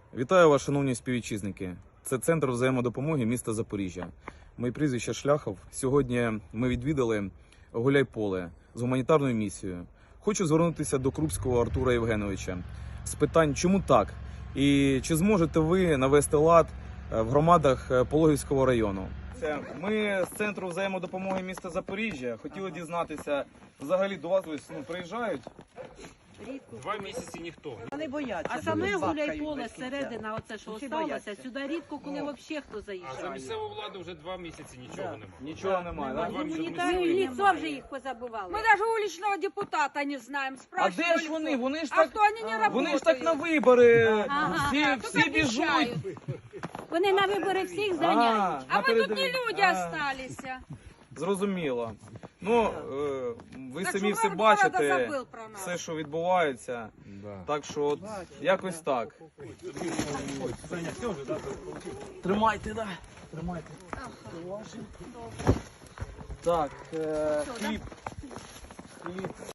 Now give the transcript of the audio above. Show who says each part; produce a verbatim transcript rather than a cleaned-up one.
Speaker 1: Вітаю вас, шановні співвітчизники. Це центр взаємодопомоги міста Запоріжжя. Моє прізвище Шляхов. Сьогодні ми відвідали Гуляйполе з гуманітарною місією. Хочу звернутися до Крупського Артура Євгеновича з питань, чому так? І чи зможете ви навести лад в громадах Пологівського району? Ми з центру взаємодопомоги міста Запоріжжя хотіли дізнатися, взагалі до вас ось, ну, приїжджають?
Speaker 2: Два місяці ніхто.
Speaker 3: Вони бояться.
Speaker 4: А саме Гуляйполе, середина, оце що
Speaker 3: Всі
Speaker 4: осталося,
Speaker 3: бояться.
Speaker 4: сюди рідко, коли взагалі хто
Speaker 2: А за
Speaker 4: заїжджає.
Speaker 2: місцеву владу вже два місяці нічого
Speaker 3: Да.
Speaker 2: немає.
Speaker 1: Нічого немає, так?
Speaker 2: Два місяці
Speaker 4: Гуманітарні
Speaker 2: місцевої
Speaker 4: лицо вже їх позабували.
Speaker 5: Мы даже уличного депутата не знаем.
Speaker 1: А
Speaker 5: Спрашивали.
Speaker 1: де ж вони? Вони ж
Speaker 5: А
Speaker 1: так,
Speaker 5: что они не работают?
Speaker 1: вони ж так на вибори,
Speaker 4: Ага.
Speaker 1: всі,
Speaker 5: Только
Speaker 1: всі біжуть.
Speaker 5: обещают.
Speaker 4: Вони на вибори всіх зганяють.
Speaker 5: А мы тут не
Speaker 1: напередодні.
Speaker 5: люди
Speaker 1: А,
Speaker 5: остались.
Speaker 1: Зрозуміло. Ну, е, ви
Speaker 5: Так
Speaker 1: самі
Speaker 5: що
Speaker 1: все
Speaker 5: мер города
Speaker 1: бачите,
Speaker 5: забыл про нас.
Speaker 1: все, що відбувається. Так що от якось так. Тримайте, да. Тримайте. Так, е, хліб. Хліб.